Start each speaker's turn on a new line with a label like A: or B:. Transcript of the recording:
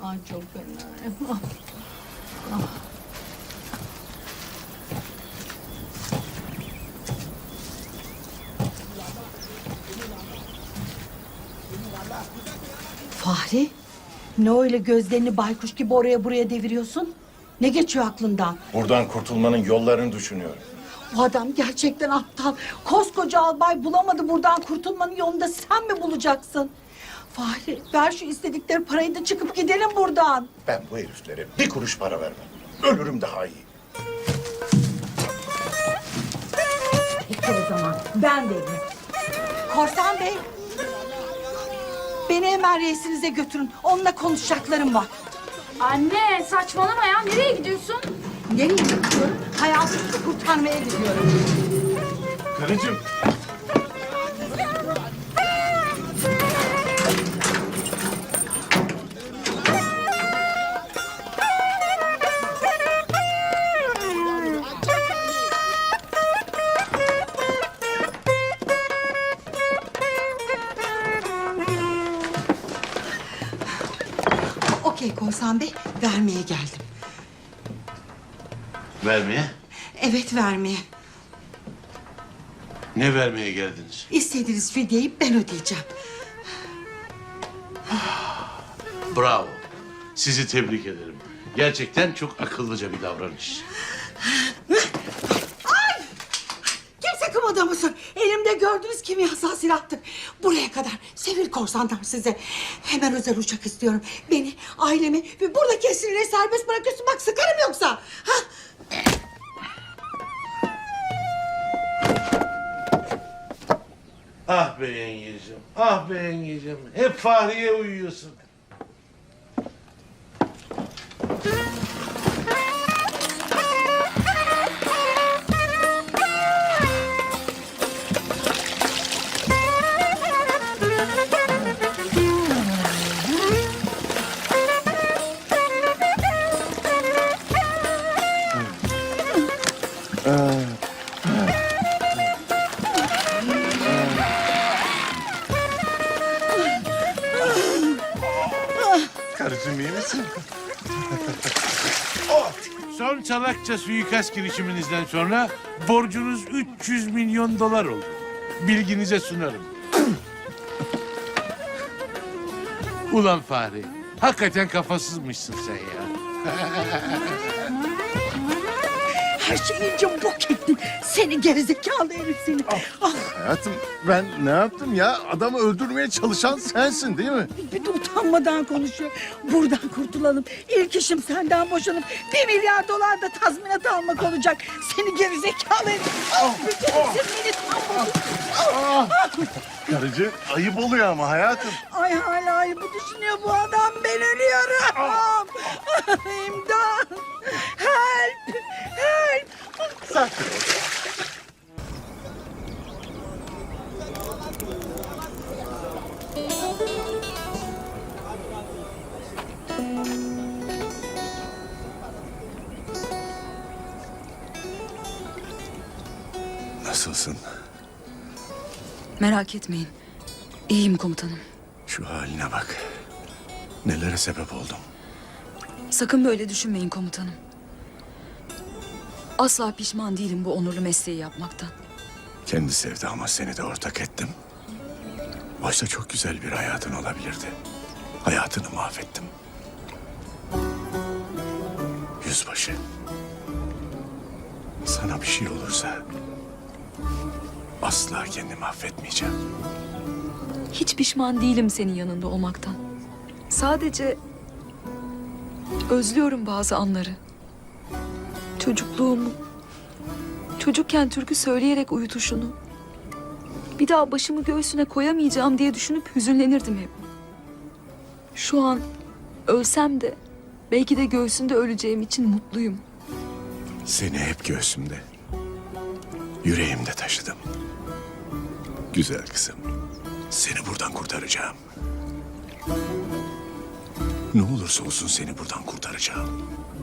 A: Ay çok fena. Fahri, ne öyle gözlerini baykuş gibi oraya buraya deviriyorsun? Ne geçiyor aklından?
B: Buradan kurtulmanın yollarını düşünüyorum.
A: Bu adam gerçekten aptal. Koskoca albay bulamadı, buradan kurtulmanın yolunu da sen mi bulacaksın? Fahri, ver şu istedikleri parayı da çıkıp gidelim buradan.
B: Ben bu heriflere bir kuruş para vermem. Ölürüm daha iyi.
A: Peki o zaman, ben de Korsan Bey, beni hemen reisinize götürün. Onunla konuşacaklarım var.
C: Anne saçmalama ya. Nereye gidiyorsun?
A: Nereye gidiyorum? Hayatımı kurtarmaya gidiyorum.
B: Karıcığım.
A: Okey Korsan Bey, vermeye geldim.
D: Vermeye?
A: Evet, vermeye.
D: Ne vermeye geldiniz?
A: İstediğiniz fidyeyi ben ödeyeceğim.
D: Bravo. Sizi tebrik ederim. Gerçekten çok akıllıca bir davranış.
A: Kimse kımıldamasın. Elimde gördüğünüz kimyasal silahtır. Buraya kadar sivil korsanlar size. Hemen özel uçak istiyorum. Beni, ailemi ve buradaki esirleri serbest bırakıyorsun. Bak sıkarım yoksa. Ha?
D: Ah be yengeciğim, ah be yengeciğim. Hep Fahriye uyuyorsun.
B: Karıcığım iyi misin?
D: Son salakça suikast girişiminizden sonra borcunuz 300 milyon dolar oldu. Bilginize sunarım. Ulan Fahri, hakikaten kafasızmışsın sen ya.
A: Her şeyi iyice bok ettin. Seni gerizekalı herif seni. Ah,
E: Hayatım ben ne yaptım ya? Adamı öldürmeye çalışan sensin değil mi?
A: bir de utanmadan konuşuyor. Buradan kurtulalım. İlk işim senden boşanıp 1 milyar dolar da tazminat almak olacak. Seni gerizekalı herif. Ah, bitirirsin beni tam.
E: Karıcı ayıp oluyor ama hayatım.
A: Ay hala bu düşünüyor bu adam. Ben ölüyorum. İmdat. Help. Help.
E: Sakin ol. Nasılsın?
F: Merak etmeyin. İyiyim komutanım.
E: Şu haline bak. Nelere sebep oldum.
F: Sakın böyle düşünmeyin komutanım. Asla pişman değilim bu onurlu mesleği yapmaktan.
E: Kendi sevdama seni de ortak ettim. Oysa çok güzel bir hayatın olabilirdi. Hayatını mahvettim. Yüzbaşı. Sana bir şey olursa asla kendimi affetmeyeceğim.
F: Hiç pişman değilim senin yanında olmaktan. Sadece özlüyorum bazı anları. Çocukluğumu, çocukken türkü söyleyerek uyutuşunu. Bir daha başımı göğsüne koyamayacağım diye düşünüp hüzünlenirdim hep. Şu an ölsem de belki de göğsünde öleceğim için mutluyum.
E: Seni hep göğsümde, yüreğimde taşıdım. Güzel kızım, seni buradan kurtaracağım. Ne olursa olsun seni buradan kurtaracağım.